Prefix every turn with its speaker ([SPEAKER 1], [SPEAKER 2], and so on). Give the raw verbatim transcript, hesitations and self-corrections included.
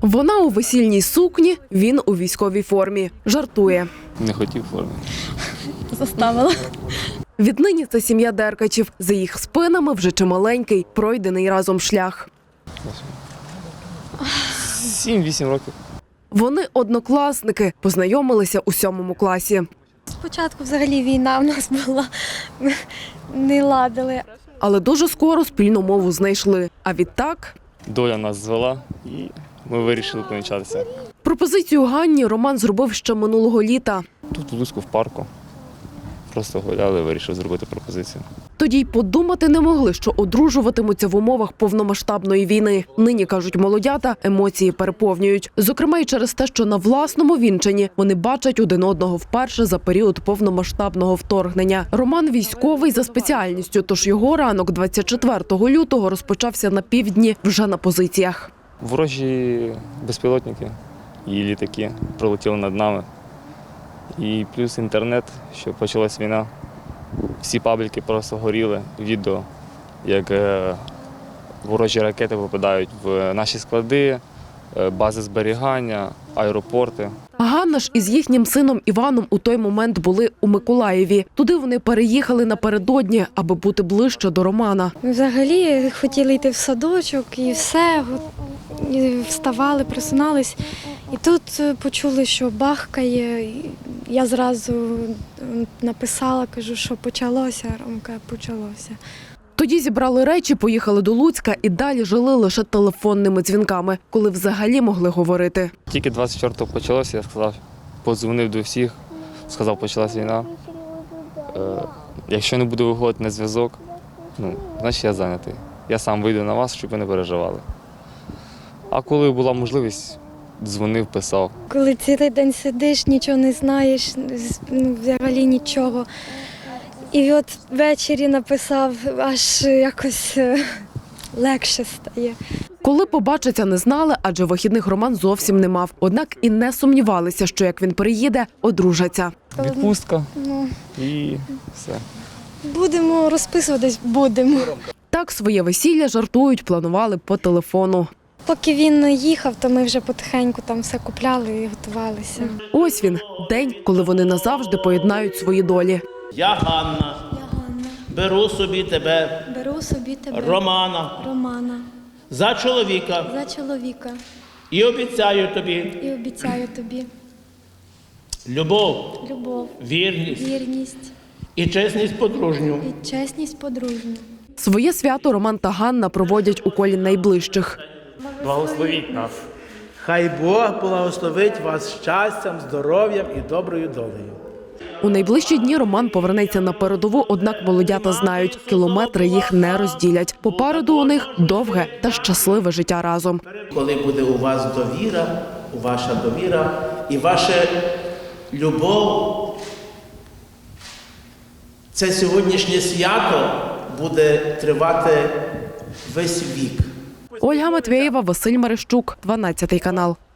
[SPEAKER 1] Вона у весільній сукні, він у військовій формі. Жартує.
[SPEAKER 2] Не хотів форми.
[SPEAKER 3] Заставила.
[SPEAKER 1] Віднині це сім'я Деркачів. За їх спинами вже чималенький, пройдений разом шлях.
[SPEAKER 2] Сім-вісім років.
[SPEAKER 1] Вони однокласники, познайомилися у сьомому класі.
[SPEAKER 3] Спочатку взагалі війна в нас була, не ладили.
[SPEAKER 1] Але дуже скоро спільну мову знайшли. А відтак
[SPEAKER 2] Доля нас звела і ми вирішили помічатися.
[SPEAKER 1] пропозицію Ганні Роман зробив ще минулого літа.
[SPEAKER 2] Тут в Луцьку в парку. Просто гуляли, вирішив зробити пропозицію.
[SPEAKER 1] Тоді й подумати не могли, що одружуватимуться в умовах повномасштабної війни. Нині, кажуть молодята, емоції переповнюють. Зокрема, і через те, що на власному вінчанні вони бачать один одного вперше за період повномасштабного вторгнення. Роман військовий за спеціальністю, тож його ранок двадцять четвертого лютого розпочався на півдні вже на позиціях.
[SPEAKER 2] Ворожі безпілотники і літаки пролетіли над нами. І плюс інтернет, що почалась війна. Всі пабліки просто горіли. Відео, як ворожі ракети попадають в наші склади, бази зберігання, аеропорти.
[SPEAKER 1] Ганна ж із їхнім сином Іваном у той момент були у Миколаєві. Туди вони переїхали напередодні, аби бути ближче до Романа.
[SPEAKER 3] Ми взагалі хотіли йти в садочок і все, і вставали, просинались. І тут почули, що бахкає. Я зразу написала, кажу, що почалося, Ромка, почалося.
[SPEAKER 1] Тоді зібрали речі, поїхали до Луцька і далі жили лише телефонними дзвінками, коли взагалі могли говорити.
[SPEAKER 2] Тільки двадцять четвертого почалося, я сказав, подзвонив до всіх, сказав, почалась війна. Е, якщо не буду виходити на зв'язок, ну, значить я зайнятий. Я сам вийду на вас, щоб ви не переживали. А коли була можливість, дзвонив, писав.
[SPEAKER 3] Коли цілий день сидиш, нічого не знаєш, ну, взагалі нічого. І от ввечері написав, аж якось легше стає.
[SPEAKER 1] Коли побачаться, не знали, адже вихідних Роман зовсім не мав. Однак і не сумнівалися, що як він приїде, одружаться.
[SPEAKER 2] Відпустка
[SPEAKER 3] Ну,
[SPEAKER 2] і все.
[SPEAKER 3] будемо розписуватись, будемо.
[SPEAKER 1] Так своє весілля, жартують, планували по телефону.
[SPEAKER 3] Поки він їхав, то ми вже потихеньку там все купляли і готувалися.
[SPEAKER 1] Ось він, день, коли вони назавжди поєднають свої долі.
[SPEAKER 4] Я Ганна,
[SPEAKER 3] Я Ганна,
[SPEAKER 4] беру собі тебе,
[SPEAKER 3] беру собі тебе,
[SPEAKER 4] Романа,
[SPEAKER 3] Романа,
[SPEAKER 4] за чоловіка
[SPEAKER 3] за чоловіка
[SPEAKER 4] і обіцяю тобі
[SPEAKER 3] і обіцяю тобі
[SPEAKER 4] любов,
[SPEAKER 3] любов,
[SPEAKER 4] вірність
[SPEAKER 3] вірність
[SPEAKER 4] і чесність подружню.
[SPEAKER 3] і чесність подружню.
[SPEAKER 1] Своє свято Роман та Ганна проводять у колі найближчих.
[SPEAKER 2] Благословіть нас.
[SPEAKER 4] Хай Бог благословить вас щастям, здоров'ям і доброю долею.
[SPEAKER 1] У найближчі дні Роман повернеться на передову, однак молодята знають, кілометри їх не розділять. Попереду у них довге та щасливе життя разом.
[SPEAKER 4] Коли буде у вас довіра, ваша довіра і ваша любов, це сьогоднішнє свято буде тривати весь вік.
[SPEAKER 1] Ольга Матвєєва, Василь Мерещук, дванадцятий канал.